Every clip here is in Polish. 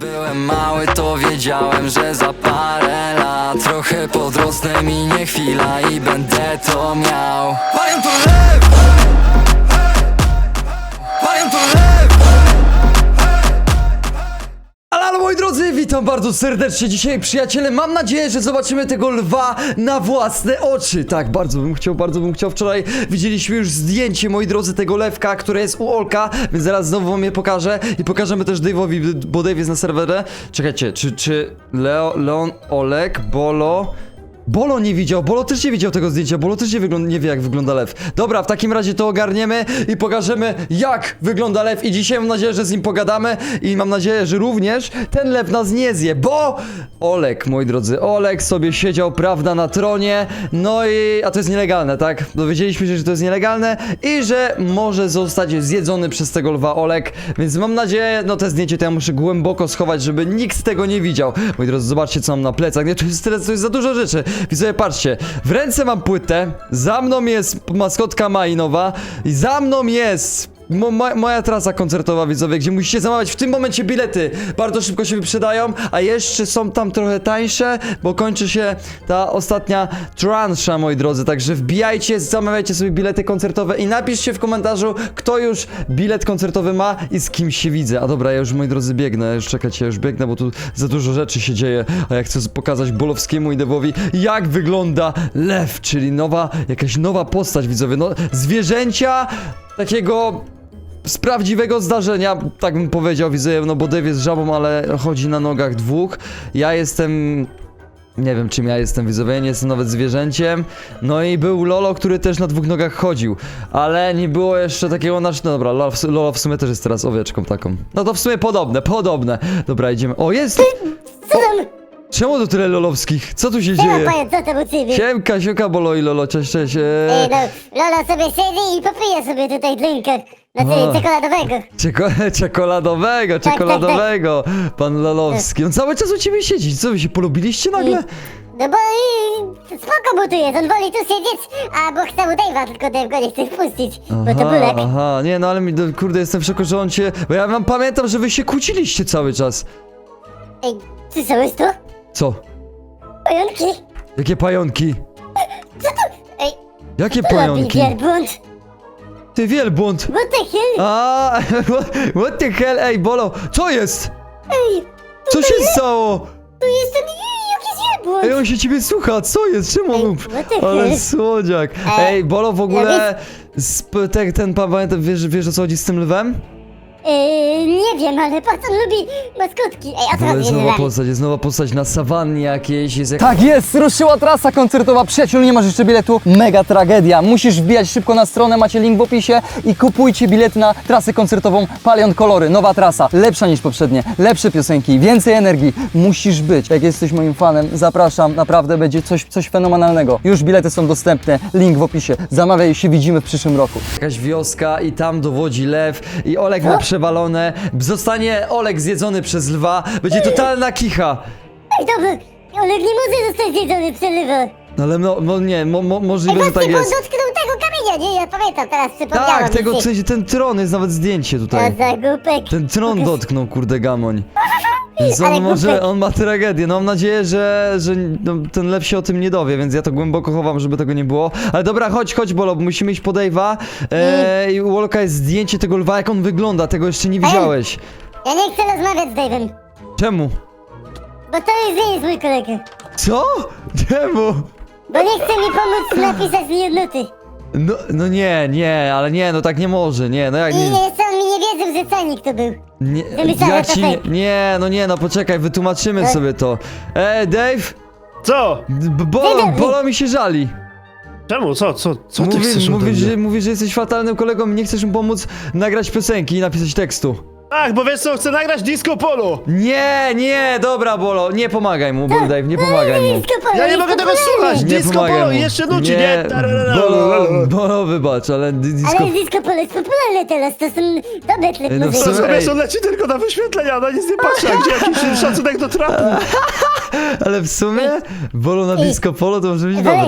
byłem mały, to wiedziałem, że za parę lat trochę podrosnę, minie chwila i będę to miał. Palion to lew! Palion to lew! Ale moi drodzy, witam bardzo serdecznie dzisiaj, przyjaciele. Mam nadzieję, że zobaczymy tego lwa na własne oczy. Tak, bardzo bym chciał. Wczoraj widzieliśmy już zdjęcie, moi drodzy, tego lewka, które jest u Olka, więc zaraz znowu wam je pokażę i pokażemy też Dave'owi, bo Dave jest na serwerze. Czekajcie, czy Leon, Olek, Bolo nie widział, Bolo też nie widział tego zdjęcia, Bolo też nie wie jak wygląda lew. Dobra, w takim razie to ogarniemy i pokażemy jak wygląda lew i dzisiaj mam nadzieję, że z nim pogadamy i mam nadzieję, że również ten lew nas nie zje, bo Olek, moi drodzy, Olek sobie siedział, prawda, na tronie, no i, a to jest nielegalne, tak? Dowiedzieliśmy się, że to jest nielegalne i że może zostać zjedzony przez tego lwa Olek, więc mam nadzieję, no te zdjęcie to ja muszę głęboko schować, żeby nikt z tego nie widział. Moi drodzy, zobaczcie co mam na plecach, nie, to jest za dużo rzeczy. Widzowie, patrzcie, w ręce mam płytę, za mną jest maskotka Mainowa i za mną jest moja trasa koncertowa, widzowie, gdzie musicie zamawiać w tym momencie bilety. Bardzo szybko się wyprzedają, a jeszcze są tam trochę tańsze, bo kończy się ta ostatnia transza, moi drodzy. Także wbijajcie, zamawiajcie sobie bilety koncertowe i napiszcie w komentarzu, kto już bilet koncertowy ma i z kim się widzę. A dobra, ja już, moi drodzy, biegnę. Już czekajcie, ja już biegnę, bo tu za dużo rzeczy się dzieje. A ja chcę pokazać Bolowskiemu i Devowi, jak wygląda lew, czyli jakaś nowa postać, widzowie. No, zwierzęcia takiego z prawdziwego zdarzenia, tak bym powiedział, widzę, no bo Dave jest żabą, ale chodzi na nogach dwóch. Ja jestem... nie wiem czym ja jestem, widzowie, nie jestem nawet zwierzęciem. No i był Lolo, który też na dwóch nogach chodził. Ale nie było jeszcze takiego no dobra, Lolo w sumie też jest teraz owieczką taką. No to w sumie podobne. Dobra, idziemy. O, jest! Co tam? Czemu tu tyle lolowskich? Co tu się Siema, dzieje? panie, co tam u ciebie? Siemka, Bolo i Lolo, cześć. Ej, no, Lola sobie siedzi i popija sobie tutaj drinka. Znaczy, czekoladowego. Czekoladowego. Pan Lolowski. On cały czas u ciebie siedzi. Co, wy się polubiliście nagle? No bo spoko mu tu jest, on woli tu siedzieć, bo chce mu Dave'a, tylko Dave go nie chce wpuścić, bo to bulek. Aha, nie, no ale kurde, jestem w szoku, że on cię... Bo ja pamiętam, że wy się kłóciliście cały czas. Ej, słyszałeś to? Co? Pająki? Jakie pająki? Ej, Jakie to robi pająki? wielbłąd. Ty wielbłąd. What the hell? A, what the hell? Ej, Bolo, co jest? Ej, Co się stało? tu jest ten jakiś wielbłąd. Ej, on się ciebie słucha, co jest? Czemu on... what the Ale hell? słodziak. Ej, Bolo, w ogóle... Ten pan, pamiętam, wiesz o co chodzi z tym lwem? Nie wiem, ale patrz, on lubi maskotki. Ej, a co To robi jest nowa postać na sawannie jakiejś, jest jak... Tak jest, ruszyła trasa koncertowa. Przyjaciół, nie masz jeszcze biletu? Mega tragedia. Musisz wbijać szybko na stronę, macie link w opisie i kupujcie bilety na trasę koncertową Palion Kolory. Nowa trasa, lepsza niż poprzednie, lepsze piosenki, więcej energii. Musisz być. Jak jesteś moim fanem, zapraszam, naprawdę będzie coś fenomenalnego. Już bilety są dostępne, link w opisie. Zamawiaj i się widzimy w przyszłym roku. Jakaś wioska i tam dowodzi lew i Olek ma przewalone. Zostanie Olek zjedzony przez lwa. Będzie totalna kicha. Ej, dobra, Olek nie może zostać zjedzony przez lwa. No ale nie, możliwe, że tak Właśnie, bo on jest. dotknął tego kamienia, nie? Ja pamiętam, teraz przypomniałam Tak, mi się. w sensie ten tron, jest nawet zdjęcie tutaj. To za głupek. Ten tron dotknął, kurde, gamoń. Więc Ale głupek. on ma tragedię. No mam nadzieję, że ten lew się o tym nie dowie, więc ja to głęboko chowam, żeby tego nie było. Ale dobra, chodź, Bolo, bo musimy iść po Dave'a. I u Olka jest zdjęcie tego lwa, jak on wygląda, tego jeszcze nie widziałeś. Ja nie chcę rozmawiać z Dave'em, Czemu? bo to nie jest mój kolega. Co? Czemu? Bo nie chce mi pomóc napisać mi nuty. No nie, ale nie, no tak nie może, nie, no jak I nie... jeszcze on mi nie wierzył, że cenik to był. Nie, Wymyślałem ja to ci fake. nie, no poczekaj, wytłumaczymy sobie to. Dave? Co? Bolo mi się żali. Czemu? Co ty chcesz ode mnie? Mówi, że jesteś fatalnym kolegą i nie chcesz mu pomóc nagrać piosenki i napisać tekstu. Tak, bo wiesz co, chcę nagrać disco polo! Nie, dobra, Bolo, nie pomagaj mu, Dave, nie pomagaj mu. Disco polo Ja nie jest mogę tego popularny. słuchać! Nie Disco pomagaj polo mu. i jeszcze nuci, nie? Bolo, wybacz, ale disco... Ale disco polo jest popularne teraz, to są dobre klip no w muzyczne. sumie- Wiesz, on leci tylko na wyświetlenia, na nic nie patrzy, a gdzie jakiś szacunek do trapu? Ale w sumie, Bolo na disco polo to może być Wolek, dobre.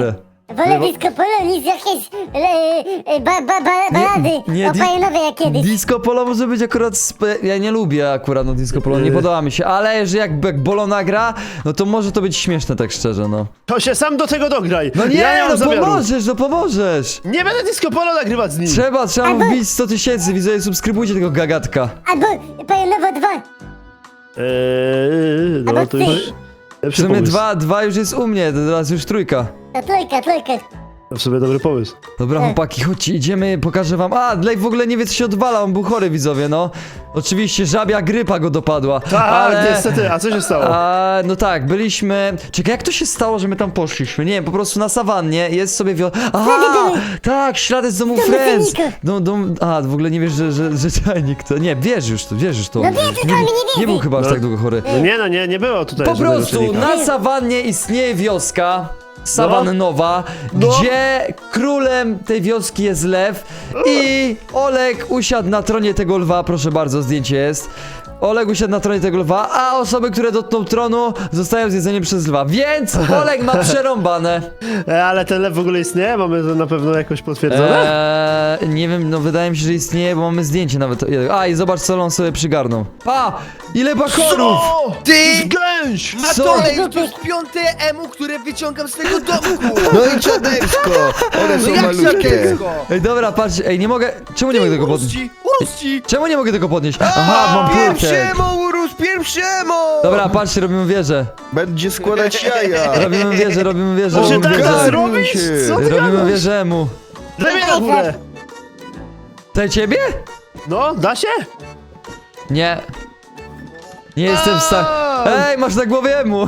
Wolę disco polo niż jakieś balady nie, opajonowe jak kiedyś. Disco polo może być akurat... Ja nie lubię akurat no disco polo, nie podoba mi się, ale jeżeli jak Bolo nagra, no to może to być śmieszne tak szczerze, no. To się sam do tego dograj. No nie, ja nie mam no zamiaru. pomożesz, no pomożesz! Nie będę disco polo nagrywać z nim. Trzeba mu wbić 100 000, widzowie, subskrybujcie tego gagatka. Albo opajonowo 2. No Albo to już... ty. W Lepszy sumie pomysł. dwa już jest u mnie, to teraz już trójka. To trójka. To w sobie dobry pomysł. Dobra, chłopaki, chodźcie, idziemy, pokażę wam. A, Dave w ogóle nie wie, co się odwala, on był chory, widzowie, no. Oczywiście, żabia grypa go dopadła. Tak, niestety, a co się stało? No tak, byliśmy... Czekaj, jak to się stało, że my tam poszliśmy? Nie wiem, po prostu na sawannie jest sobie Aha! Tak, ślady z domu Domu Friends! czajnika. W ogóle nie wiesz, że czajnik to... Nie, wiesz już to. No wiesz, to mi nie Nie był wierzy. chyba aż tak długo chory. Nie było tutaj Po żadnego prostu czynnika. na sawannie istnieje wioska sawannowa, No. gdzie królem tej wioski jest lew i Olek usiadł na tronie tego lwa, proszę bardzo, zdjęcie jest. Oleg usiadł na tronie tego lwa, a osoby, które dotkną tronu, zostają zjedzone przez lwa, więc Oleg ma przerąbane. Ale ten lew w ogóle istnieje? Mamy to na pewno jakoś potwierdzone? Nie wiem, no wydaje mi się, że istnieje, bo mamy zdjęcie nawet. A, i zobacz, co on sobie przygarnął. Ile bakorów! Ty! Gęś! Co? To jest 5 emu, które wyciągam z tego domku! No i dziadeczko! One No są jak malutkie. dziadecko? Ej, dobra, patrz, nie mogę... Czemu nie mogę tego podnieść? Urości! Czemu nie mogę tego podnieść? Aha, mam płytek. Pierwszemu, urósł pierwszemu! Dobra, patrzcie, robimy wieżę. Będzie składać jaja. Robimy wieżę, robimy wieżę, To się robimy tak wieżę. zrobić? Co ty Robimy gadasz? wieżę mu. Daj mnie na górę! Te ciebie? No, da się? Nie. Nie jestem w stanie. Ej, masz na głowie mu.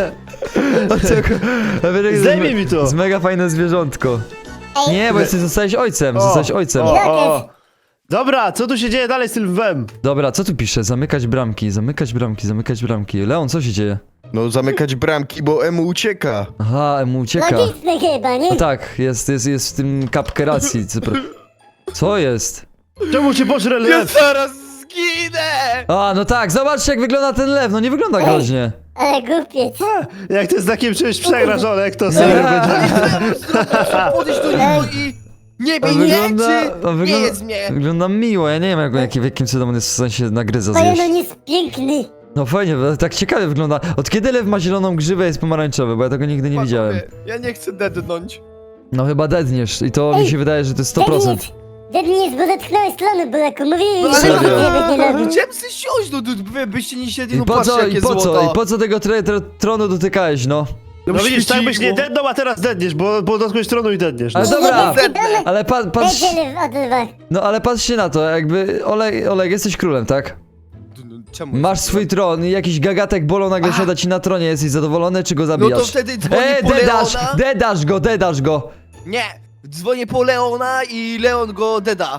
Zdejmij mi to. jest mega fajne zwierzątko. Ej, Nie, bo zostałeś ojcem, zostałeś ojcem. O. Dobra, co tu się dzieje dalej z tym lwem? Dobra, co tu pisze? Zamykać bramki, zamykać bramki, zamykać bramki. Leon, co się dzieje? No zamykać bramki, bo emu ucieka. Aha, mu ucieka. logiczne chyba, nie? No tak, jest w tym kapkę racji. Co jest? Czemu cię pożre Ja lew? zaraz zginę! No tak, zobaczcie jak wygląda ten lew, no nie wygląda groźnie. Ale głupiec. Jak ty z takim czymś przegrasz, Olek, to serio będzie... Podejść do niego i... Nie bij mnie, czy nie jest mnie? Wygląda miło, ja nie wiem w jakim cudem on jest w sensie nagryza zjeść. Pajonon jest piękny. No fajnie, bo tak ciekawie wygląda. Od kiedy lew ma zieloną grzywę jest pomarańczowy, bo ja tego nigdy nie widziałem. Ja nie chcę dednąć. No chyba dedniesz i to mi się wydaje, że to jest 100%. Dedniec, bo dotknąłeś slonu, Bulaku. Mówiłem, No że ale Serio? żebyś nie robił. Chciałem sobie siąść, no wy byście nie siedli, I no po patrzcie co, jakie i po złoto. co, i po co tego tronu dotykałeś, no? No widzisz, tak byś nie dednął, a teraz dedniesz, bo dotknąłeś tronu i dedniesz. Ale No. dobra, Dednę. ale patrz, Będzie od lwa. no ale patrzcie na to, jakby Oleg, jesteś królem, tak? Czemu? Masz swój tron i jakiś gagatek Bolo nagle siada ci na tronie, jesteś zadowolony czy go No zabijasz? to wtedy dzwonię po dedasz go! Nie! Dzwonię po Leona i Leon go deda.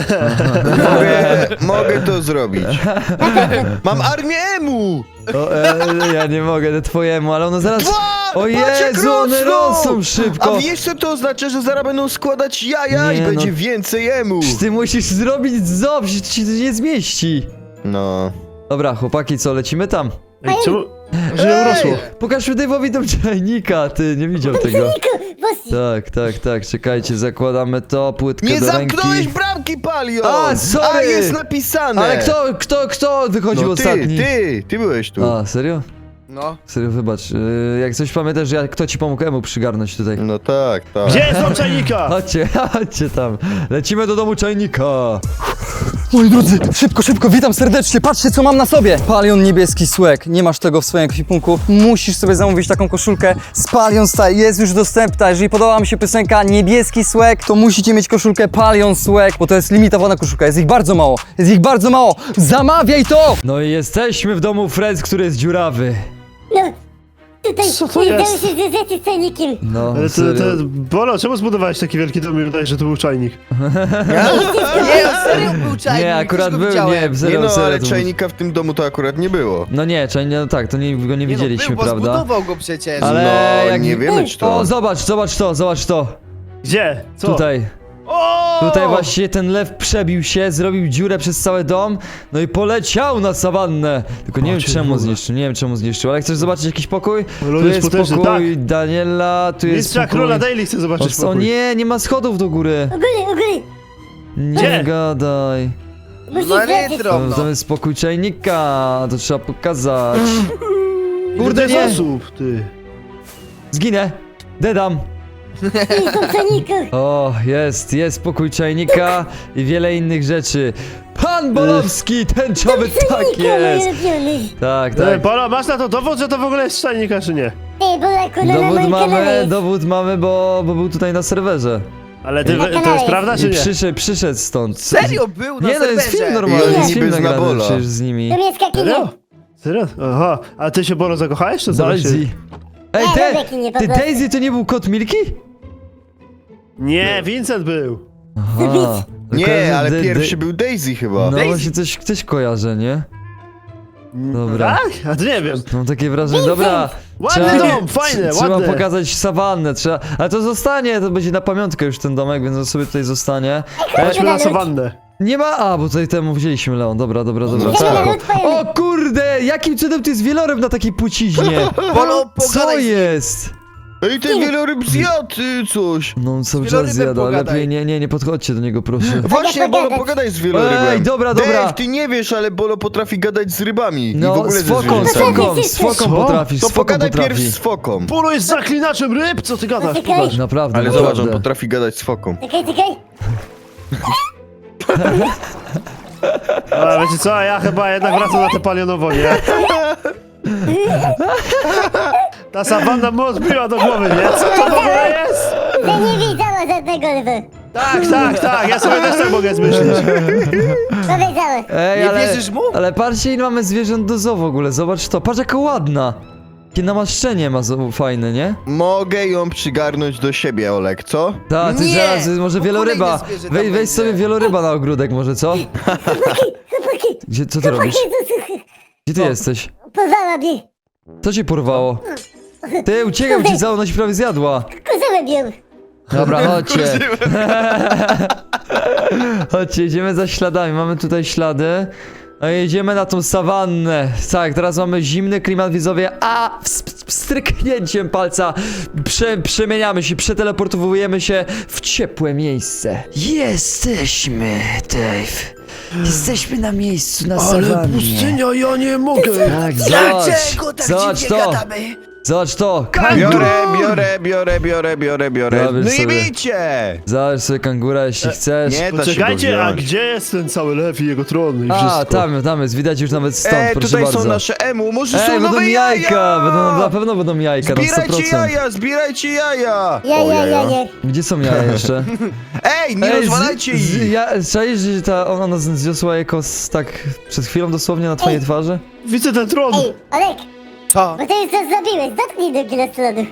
Mogę to zrobić. Mam armię emu! Ja nie mogę, twojemu, ale ono zaraz... O Patrz, jak Jezu, one rosną A szybko! wiesz co to oznacza, że zaraz będą składać jaja Nie, i no. będzie więcej emu. Ty musisz zrobić ząb, że ci to nie zmieści. No. Dobra, chłopaki, co, lecimy tam? Ej, czemu? Że nie urosło. Pokaż Dave'owi tam czajnika, ty, nie widział tego. Bosi. Tak, czekajcie, zakładamy to, płytkę Nie do zamknąłeś ręki. bramki, Palion! A, sorry! A, jest napisane! Ale kto wychodził No ostatni? ty byłeś tu. A, serio? No. Serio, wybacz. Jak coś pamiętasz, że kto ci pomógł emu przygarnąć tutaj? No tak. Gdzie jest dom czajnika? Chodźcie tam. Lecimy do domu czajnika. Moi drodzy, szybko, witam serdecznie, patrzcie co mam na sobie! Palion niebieski słek, nie masz tego w swoim ekwipunku, musisz sobie zamówić taką koszulkę z Palion Style, jest już dostępna, jeżeli podoba wam się piosenka Niebieski Słek, to musicie mieć koszulkę Palion Słek, bo to jest limitowana koszulka, jest ich bardzo mało, zamawiaj to! No i jesteśmy w domu Friends, który jest dziurawy. No, tutaj Co to nie dało jest? się związać z czajnikiem. No, Ale serio. Bolo, czemu zbudowałeś taki wielki dom i wydaje, że to był czajnik? Nie, serio był czajnik. Nie, akurat też go był, widziałem. nie, serio, Nie no, serio. ale to- czajnika w tym domu to akurat nie było. No nie, czajnik, no tak, to go nie Nie widzieliśmy, no, był, bo prawda? zbudował go przecież. Ale No, jak... nie wiemy, czy to- O, zobacz to. Gdzie? Co? Tutaj. O! Tutaj właśnie ten lew przebił się, zrobił dziurę przez cały dom, no i poleciał na sawannę. Tylko nie wiem Patrzcie, czemu w ogóle. zniszczył, nie wiem czemu zniszczył, ale chcesz zobaczyć jakiś pokój? Lud Tu jest jest potężny, pokój tak. Daniela, tu jest Mistrza pokój... Króla Daily chcę zobaczyć O pokój. nie, nie ma schodów do góry. U góry. Nie Gdzie? gadaj. Musisz No wrócić. nie drobno. Tam jest pokój czajnika, to trzeba pokazać. Kurde, Kurde, nie! osób, ty. Zginę! Dedam! Ty kompaniku. O, jest pokój czajnika i wiele innych rzeczy. Pan Bolowski, tęczowy, tak jest! Tak, Tak. tak. Polo, masz na to dowód, że to w ogóle jest czajnika, czy nie? Ty, Bolaku, no na moim kanale. Dowód mamy, bo był tutaj na serwerze. Ale ty, Na to kanale jest prawda, czy I nie? przyszedł stąd. Serio był na Nie, no jest film serwerze. normalny, I jest film niby zna nagrany Bola. przecież z nimi. To jest Serio? kakinie. Serio? Aha. A ty się, Bolo, zakochałeś, czy co? Daisy. Ej, Nie, Rebeki nie, po ty prostu. Daisy to nie był kot Milki? Nie, Vincent był. Aha. Nie, ale pierwszy był Daisy chyba. No właśnie coś kojarzę, nie? Dobra. Tak? A ty nie wiem. Mam takie wrażenie, dobra. Ładny dom, fajne, Trzeba ładne. pokazać sawannę, trzeba. Ale to zostanie, to będzie na pamiątkę już ten domek, więc on sobie tutaj zostanie. Chodźmy na sawannę. Nie ma. A, bo tutaj temu wzięliśmy Leon. Dobra. Idziemy spoko. na lód, pojemy. O kurde! Jakim cudem to jest wieloryb na takiej płciźnie? Bolo, Co pogadaj. jest? Ej, ten wieloryb zjadł coś. No on cały czas wielorybem zjada. pogadaj. Lepiej nie podchodźcie do niego, proszę. Właśnie, Bolo, pogadaj z wielorybem. Ej, dobra. Dave, ty nie wiesz, ale Bolo potrafi gadać z rybami. I w No, ogóle z ze foką, zwierzętami. z foką Co? potrafisz, To z foką pogadaj pierw potrafi. z foką. Polo jest zaklinaczem ryb, co ty gadasz? Poczekaj. Pokaż. Naprawdę, Ale zobacz, on naprawdę. potrafi gadać z foką. Czekaj. Ale wiecie co, ja chyba jednak wracam na te palionowo, nie? Ta sawanna mu odbiła do głowy, nie? Co to w ogóle jest? Ja nie widziała żadnego lwa. Tak, ja sobie też tak mogę zmyślić. Powiedziałem. Ej, Nie ale, wierzysz mu? ale patrzcie, ile mamy zwierząt do zoo w ogóle, zobacz to, patrz jaka ładna. Jakie namaszczenie ma fajne, nie? Mogę ją przygarnąć do siebie, Olek, co? Tak, ty Nie, zaraz, może bo wieloryba. kolejne zwierzę tam Weź będzie. sobie wieloryba na ogródek może, co? Gdzie, co ty robisz? Gdzie ty jesteś? Pozwala mnie. Co cię porwało? Ty, uciekaj, bo cię za ona ci prawie zjadła. Kozałem ją. Dobra, chodźcie. Chodźcie, idziemy za śladami. Mamy tutaj ślady. A jedziemy na tą sawannę. Tak, teraz mamy zimny klimat, widzowie. A stryknięciem palca przemieniamy się, przeteleportowujemy się w ciepłe miejsce. Jesteśmy, Dave. Jesteśmy na miejscu, na sawannie. ja nie mogę. Tak, zobacz. Dlaczego tak Zobacz dziwnie to. gadamy? Zobacz to. Biorę. Dobra, No sobie. i bijcie! Zobacz sobie kangura, jeśli chcesz. Nie da się go Poczekajcie, a wziąć. gdzie jest ten cały lew i jego tron i A, wszystko? tam jest, widać już nawet stąd, proszę Tutaj bardzo. są nasze emu, może są Będą nowe jajka! Na pewno będą jajka, na 100%. Zbierajcie jaja! Ja. Gdzie są jaja jeszcze? Ej, nie rozwalajcie ich! Czaisz, że ona zniosła jako tak przed chwilą dosłownie na twojej twarzy? Widzę ten tron! Ej, Olek, Co? bo ty już coś zrobiłeś. Dotknij do na stronę.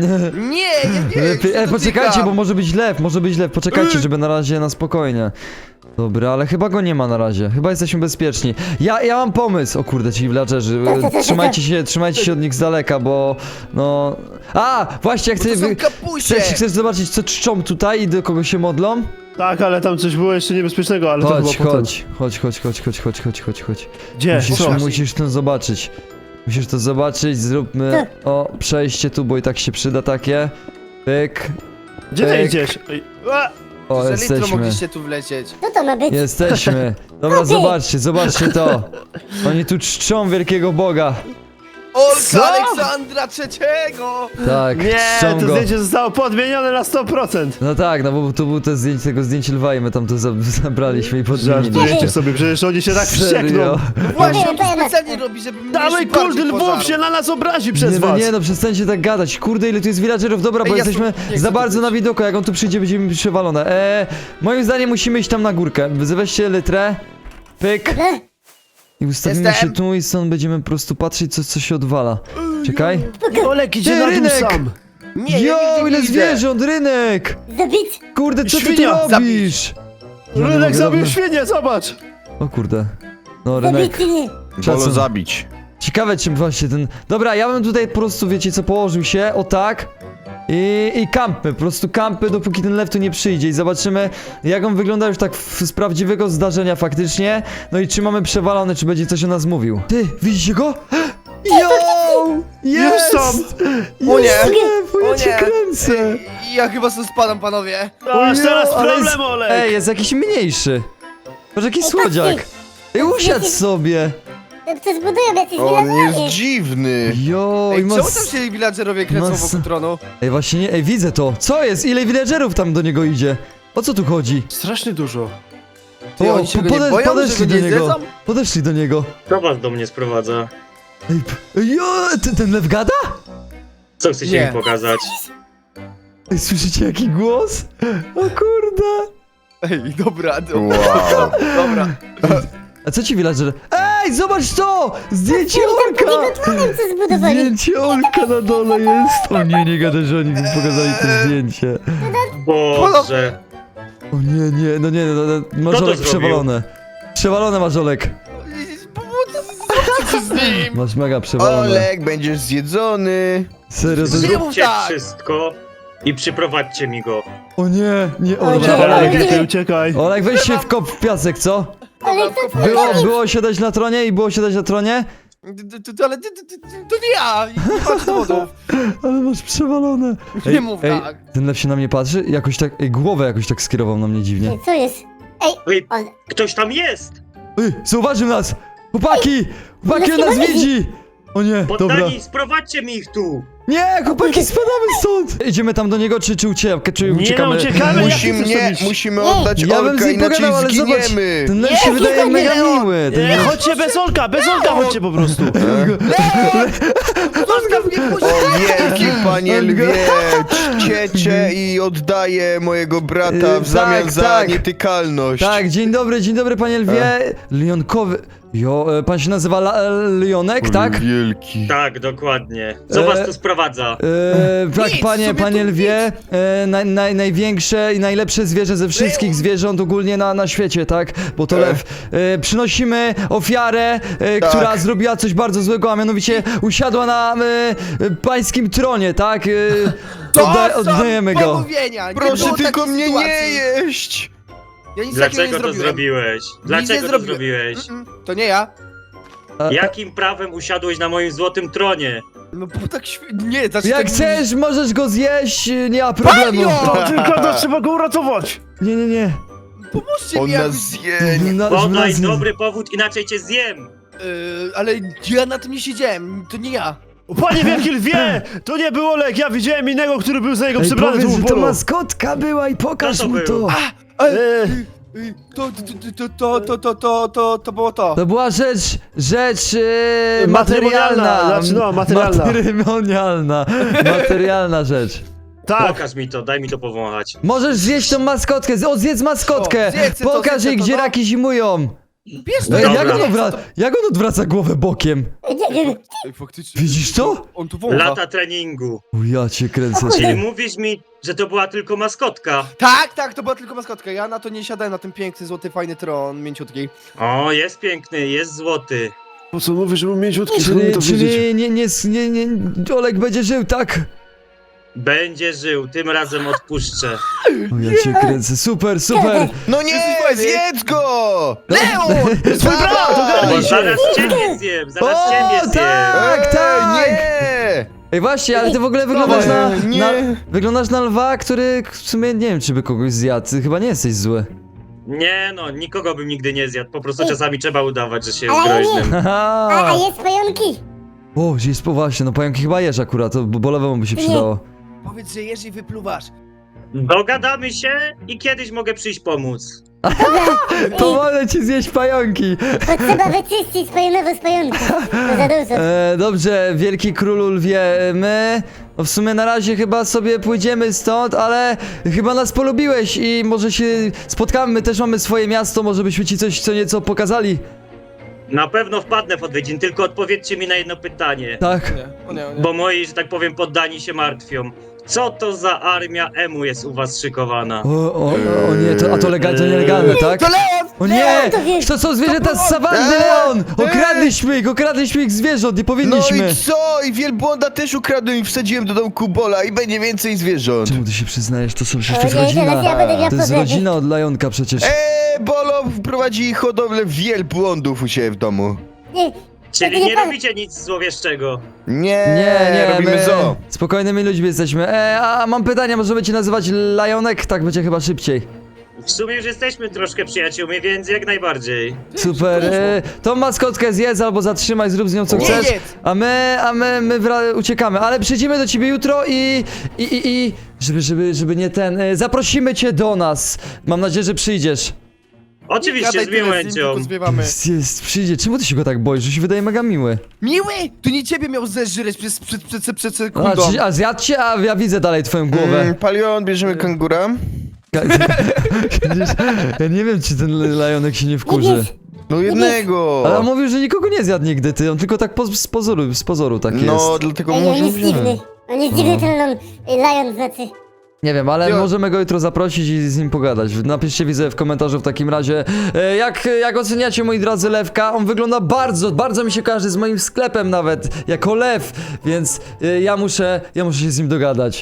Nie, Poczekajcie, bo może być lew, poczekajcie, żeby na razie na spokojnie. Dobra, ale chyba go nie ma na razie, chyba jesteśmy bezpieczni. Ja mam pomysł, o kurde, ci villagerzy, trzymajcie się od nich z daleka, bo no... A, właśnie, jak To są kapusie. chcesz zobaczyć, co czczą tutaj i do kogo się modlą? Tak, ale tam coś było jeszcze niebezpiecznego, ale to Chodź, chyba potem. chodź. Gdzie? Co? Musisz to zobaczyć. Musisz to zobaczyć, zróbmy przejście tu, bo i tak się przyda takie. Pyk. Gdzie ty Pyk. idziesz? Ej, a! O, Za litro jesteśmy. mogliście tu wlecieć. Co to ma być? Jesteśmy. Dobra, zobaczcie to. Oni tu czczą wielkiego Boga. Co? Olka Aleksandra III! Tak, Nie, czczą to go. zdjęcie zostało podmienione na 100%. No tak, no bo tu był tego zdjęcie lwa i my tam to zabraliśmy i podmieniliśmy. Żartujecie sobie, przecież oni się tak wściekną. Serio? Właśnie, on to Powiem, specjalnie robi, żeby mnie Dawaj, jeszcze bardziej kurde, lwów pożarł. się na nas obrazi przez was. Nie no, przestańcie tak gadać. Kurde, ile tu jest villagerów. Dobra, bo Ej, ja jesteśmy tu nie chcę za tu bardzo być. na widoku. Jak on tu przyjdzie, będziemy przewalone. Moim zdaniem musimy iść tam na górkę. Weźcie litrę. Pyk. I ustawimy Jestem. się tu i stąd będziemy po prostu patrzeć, co się odwala. Czekaj. Olek idzie Ty, na dół rynek! sam. Nie, Jo, ja nigdzie ile nie idę. zwierząt, rynek! Zabić? Kurde, co ty tu Świnia, robisz? Ja nie Rynek mogę, zabił dobra. świnię, zobacz. O kurde. No, Zabić rynek. czy nie? Szacun. Bolo zabić. Ciekawe czym właśnie ten... Dobra, ja bym tutaj po prostu, wiecie co, położył się, o tak. I kampy, po prostu kampy, dopóki ten lew tu nie przyjdzie i zobaczymy, jak on wygląda już tak z prawdziwego zdarzenia faktycznie. No i czy mamy przewalone, czy będzie coś o nas mówił. Ty, widzicie go? Yo! Jest! są. O nie. Jest lew, O ja cię nie. kręcę! Ja chyba stąd spadam, panowie. Aż teraz ale jest- problem, Olek. Ej, jest jakiś mniejszy. Patrz, jaki słodziak. Ej, usiadł sobie. No to zbudują jacyś On jest villagerzy. dziwny. Jo, i Ej, ma... czemu tam się villagerowie kręcą mas- wokół tronu? Ej, właśnie nie, ej, widzę to. Co jest? Ile villagerów tam do niego idzie? O co tu chodzi? Strasznie dużo. Ty, oni się go nie boją, że podeszli go do nie niego. zjedzą? Podeszli do niego. Kto was do mnie sprowadza? Ej, jo, ten lew gada? Co chcecie Nie. mi pokazać? Ej, słyszycie jaki głos? O kurde. Ej, dobra, Wow. dobra. A co ci villager? Ej, zobacz to! Zdjęcie Pod orka! jego tronem co zbudowali. Zdjęcie orka na dole jest! O nie, nie gadaj, że oni mi pokazali to zdjęcie. Boże. O nie, nie, no nie, no, to Marzolek zrobił? przewalone. Przewalone Marzolek. Co z nim? Masz mega przewalone. Olek, będziesz zjedzony. Serio, to... Nie mów Zróbcie tak. wszystko i przyprowadźcie mi go. O nie, nie, O nie. Olek. Olek, nie. ty uciekaj. Olek, weź się w kop w piasek, co? Ale to Było siadać na tronie i było siadać na tronie? Ale to nie ja! Nie masz dowodów. Ale masz przewalone. Nie mów tak. Ten lew się na mnie patrzy i jakoś tak, głowę jakoś tak skierował na mnie dziwnie. Co jest? Ej, Ej, on... ktoś tam jest! Ej, zauważył nas! Chłopaki! Chłopaki, on nas widzi! O nie, dobra. Poddani, sprowadźcie mi ich tu! Nie, chłopaki, spadamy stąd! Idziemy tam do niego, czy Nie no, uciekamy? uciekamy. Musimy oddać Ja bym z Olka, nim inaczej pogadał, ale zobacz, zginiemy. ten lew się wydaje mega miły. Ten Nie, lew... chodźcie bez Olka, chodźcie po prostu. Zostaw mnie, puść! O wielki panie On go- lwie, czciecie i oddaję mojego brata w zamian tak, za tak. nietykalność. Tak, dzień dobry panie lwie. Lionkowy... pan się nazywa Lionek, tak? Wielki. Tak, dokładnie. Co was tu sprowadza? Tak, Nic, panie sobie tu lwie, największe i najlepsze zwierzę ze wszystkich zwierząt ogólnie na świecie, tak? Bo to lew. Przynosimy ofiarę, Tak. która zrobiła coś bardzo złego, a mianowicie usiadła na pańskim tronie, tak? Oddajemy go. Pomówienia. Nie Proszę było tylko takiej mnie sytuacji. nie jeść. Ja nic takiego nie Dlaczego to zrobiłem. zrobiłeś? nie Dlaczego to zrobiłem. zrobiłeś? To nie ja. Jakim prawem usiadłeś na moim złotym tronie? No bo tak nie, znaczy Jak tak... chcesz, możesz go zjeść, nie ma problemu. Panio! To tylko to trzeba go uratować. Nie. Pomóżcie On mi nas jakoś... zje. Podaj dobry powód, inaczej cię zjem! ale ja na tym nie siedziałem, to nie ja. O, panie wielki lwie, to nie był Olek, ja widziałem innego, który był za niego Ej, przybrany. powiedz, tu że w to polu. maskotka była i pokaż Kto to mu to. był? To było to. To była rzecz Matrymonialna, materialna. znaczy no, materialna. Materialna rzecz. Tak. Pokaż mi to, daj mi to powąchać. Możesz zjeść tą maskotkę, zjedz maskotkę. O, zjedzę to, Pokaż zjedzę jej, to, gdzie no. raki zimują. Bierz No, to, Dobra. jak on odwraca głowę bokiem? Nie wiem. Ej, faktycznie. Widzisz to? On tu wącha. Lata treningu. O, ja cię kręcę. Czyli mówisz mi, że to była tylko maskotka? Tak, to była tylko maskotka. Ja na to nie siadałem, na ten piękny, złoty, fajny tron, mięciutki. O, jest piękny, jest złoty. Po co mówisz, że był mięciutki, skąd mi to wiedzieć? Czyli nie, Olek będzie żył, tak? Będzie żył, tym razem odpuszczę. O, ja cię kręcę. Super. No nie, Jesteś fajny. zjedz go! Leon! Twój brat, Bo ogarnij się! zaraz ciebie zjem, zaraz O, ciebie zjem. tak, tak. Nie! Ej, właśnie, ale ty w ogóle wyglądasz nie. wyglądasz na lwa, który w sumie nie wiem, czy by kogoś zjadł. Ty chyba nie jesteś zły. Nie no, nikogo bym nigdy nie zjadł, po prostu czasami trzeba udawać, że się jest Ale nie. groźnym. A Haha. jest pająki. O, jest właśnie, no pająki chyba jesz akurat, to bolewemu by się Nie. przydało. Powiedz, że jesz i wypluwasz. Dogadamy się i kiedyś mogę przyjść pomóc. Pomogę ci zjeść pająki. Bo trzeba wyczyścić spajonowo z pająków. To za dużo. Dobrze, wielki królu lwie, my... No w sumie na razie chyba sobie pójdziemy stąd, ale chyba nas polubiłeś i może się spotkamy, my też mamy swoje miasto, może byśmy ci coś co nieco pokazali. Na pewno wpadnę w odwiedzin, tylko odpowiedzcie mi na jedno pytanie. Tak. Nie. Bo moi, że tak powiem, poddani się martwią. Co to za armia emu jest u was szykowana? O nie, to nielegalne, tak? To Leon! O nie! Leon, to wiesz. To są zwierzęta z sawanny, Leon! Okradliśmy ich zwierząt, nie No powinniśmy! i co? I wielbłąda też ukradłem i wsadziłem do domku Bola i będzie więcej zwierząt. Czemu ty się przyznajesz? To są przecież O nie, teraz ja będę miał To jest problemy. rodzina od Lajonka przecież. Bolo prowadzi hodowlę wielbłądów u siebie w domu. Nie, Czyli nie nie pan- robicie nic złowieszczego. Nie, robimy zoo. spokojnymi ludźmi jesteśmy. A mam pytanie, możemy cię nazywać Lajonek? Tak będzie chyba szybciej. W sumie już jesteśmy troszkę przyjaciółmi, więc jak najbardziej. Super. Tą maskotkę zjedz albo zatrzymaj, zrób z nią co Nie chcesz. jedz. A my uciekamy, ale przyjdziemy do ciebie jutro i żeby nie ten. Zaprosimy cię do nas. Mam nadzieję, że przyjdziesz. Oczywiście, Gadaj z tyle, miłością. tylko zwiewamy. Przyjdzie. Czemu ty się go tak boisz? Że się wydaje mega miły. Miły! To nie ciebie miał zeżreć przed A, sekundą. a zjadł cię, a ja widzę dalej twoją głowę. Palion, bierzemy kangura. Ja nie wiem, czy ten Lajonek się nie nie wkurzy. wiesz. No jednego. Ale on mówił, że nikogo nie zjadł nigdy, ty. On tylko tak z pozoru tak jest. No, dlatego Ej, on może jest dziwny. On jest dziwny, ten Lion znaczy. Nie wiem, ale Jo. możemy go jutro zaprosić i z nim pogadać. Napiszcie, widzę w komentarzu w takim razie, jak oceniacie, moi drodzy, Lewka. On wygląda bardzo mi się kojarzy z moim sklepem nawet, jako lew, więc ja muszę się z nim dogadać.